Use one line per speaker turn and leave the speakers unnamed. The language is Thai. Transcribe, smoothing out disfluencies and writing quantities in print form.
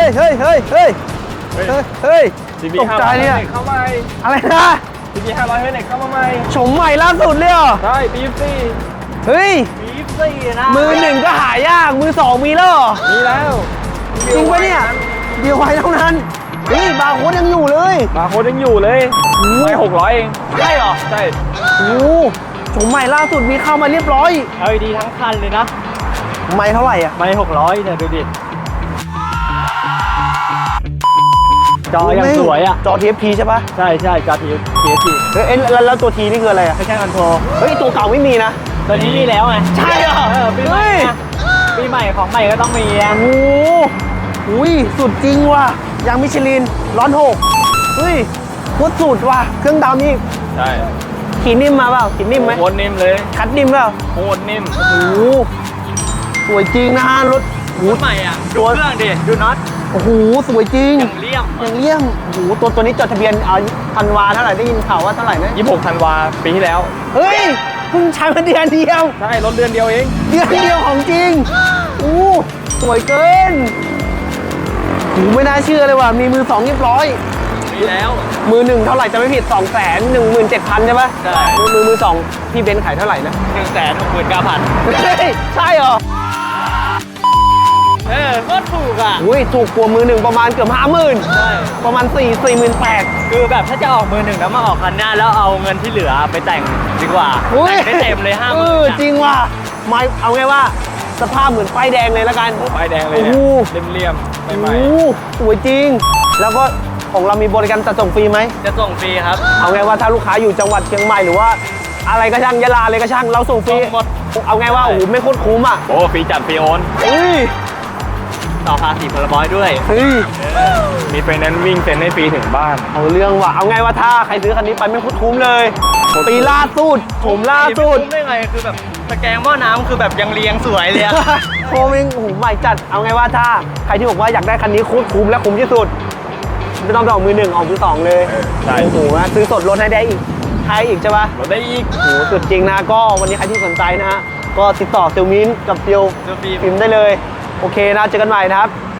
ฮ้ยเฮ้ยเฮ้ยเฮ้ยเฮ้ย
CB
ตกใจเนี่ย
เข้าใหม่
อะไรนะ
CB 500เฮ้ยเข้ามาใหม่
ชมใหม่ล่าสุดเลยเหรอ
ใช่ปีซี่
เฮ้ย
ปีซี่นะ
มือหนึ่งก็หายากมือสองมีแล้วเหรอ
มีแล้ว
จริงปะเนี่ยเดียวไว้เท่านั้นเฮ้ยบาร์โค้ดยังอยู่เลย
มาโค้ดยังอยู่เลยไม่600เอง
ใช่เหรอ
ใช่
โอ้ชมใหม่ล่าสุดมีเข้ามาเรียบร้อย
LED ทั้งคันเลยนะ
ไม่เท่าไหร่อ่ะ
ไม่600เนี่ยดูดิจอยังสวยอ่ะ
จอ TFT ใช่ปะ
ใช่ใช่จอ TFT
เฮ้ยแล้วตัว T นี่คืออะไรอ่ะ
ไม่ใช่คอนโทรล
เฮ้ยตัวเก่าไม่มีนะ
ตัวนี้มีแล้วไง
ใช่เหรอ
ปีใหม่นะปีใหม่ของใหม่ก็ต้องมีอ่ะ
โอ้โหอุ้ยสุดจริงว่ะยางมิชลินร้อนหกเฮ้ยโคตรสุดว่ะเครื่องดำนี่
ใช่
ขีดนิ่มมาเปล่าขีดนิ่มไหม
โคตรนิ่มเลย
คัดนิ่มเปล่า
โคตรนิ่ม
โอ้โหสวยจริงนะฮะรถ
รถใหม่อ่ะดูเครื่องดิดูน็อต
โอ้โหสวยจริง
อย่างเลี่ยม
อย่างเลี่ยมโอ้โหตัวนี้จดทะเบียนธันวาเท่าไหร่ได้ยินข่าวว่าเท่าไหร่นะ
26 ธันวาปีที่แล้ว
เฮ้ยเพิ่งใช้มาเดือนเดียว
ใช่รถเดือนเดียวเอง
เดือนเดียวของจริงอู้สวยเกินโอ้ไม่น่าเชื่อเลยว่ะมีมือสองเรียบร้อย
มีแล้ว
มือหนึ่งเท่าไหร่จะไม่ผิด 217,000 ใช่ปะ
ใช่
มือสองพี่เบนซ์ขายเท่าไหร่นะ
169,000
เฮ้ยใช่เหรอ
ก็ถูกอ่ะ
อุ้ยถูกกว่ามือหนึ่งประมาณเกือบ50,000
ใช่
ประมาณ48,000
คือแบบถ้าจะออกมือหนึ่งแล้วมาออกคันหน้าแล้วเอาเงินที่เหลือไปแต่งดีกว่า
อุ้ย
แต่งได้เต็มเลย50,000
จริงว่ะไม่เอาไงว่าสภาพเหมือนป้ายแดงเลยละกัน
ป้ายแดงเลยเนี่ย
โอ้โห
เลี่ยมๆ
โอ้
ใหม่
โหสวยจริง แล้วก็ของเรามีบริการจัดส่งฟรีไหม
จะส่งฟรีครับ
เอาไงว่าถ้าลูกค้าอยู่จังหวัดเชียงใหม่หรือว่า อะไรก็ช่างยะลาเลยก็ช่างเราส่งฟรี
ส่งหมด
เอาไงว่าโอ้โหไม่โคตรคุ้มอ่ะ
ๆโอ้ฟรีจัดฟรีโอน
เฮ้ย
ต่อภาษีพลบอยด้วย
เฮ้ย
มีไฟแนนซ์วิ่งเซ็นให้ฟรีถึงบ้าน
เอาเรื่องว่ะเอาไงว่าถ้าใครซื้อคันนี้ไปไม่โคตรคุ้มเลยปีล่าสุดผมล่าสุด
ไม่รู้ได้ไงคือแบบตะแกรงหม้อน้ำคือแบบยังเรียงสวยเลยอะ
โคมิงโอ้โหใหม่จัดเอาไงว่าถ้าใครที่บอกว่าอยากได้คันนี้โคตรคุ้มและคุ้มที่สุดไม่ต้องไปออกมือหนึ่งออกมือสองเลย
ใช่
โอ้โหซื้อสดลดให้ได้อีกให้อีกใช่ปะ
รถได้อีก
โอ้โหสุดจริงนะก็วันนี้ใครที่สนใจนะฮะก็ติดต่อเซลมินกับเซล
เซลฟิล์ม
ฟิล์มได้เลยโอเคนะเจอกันใหม่นะครับ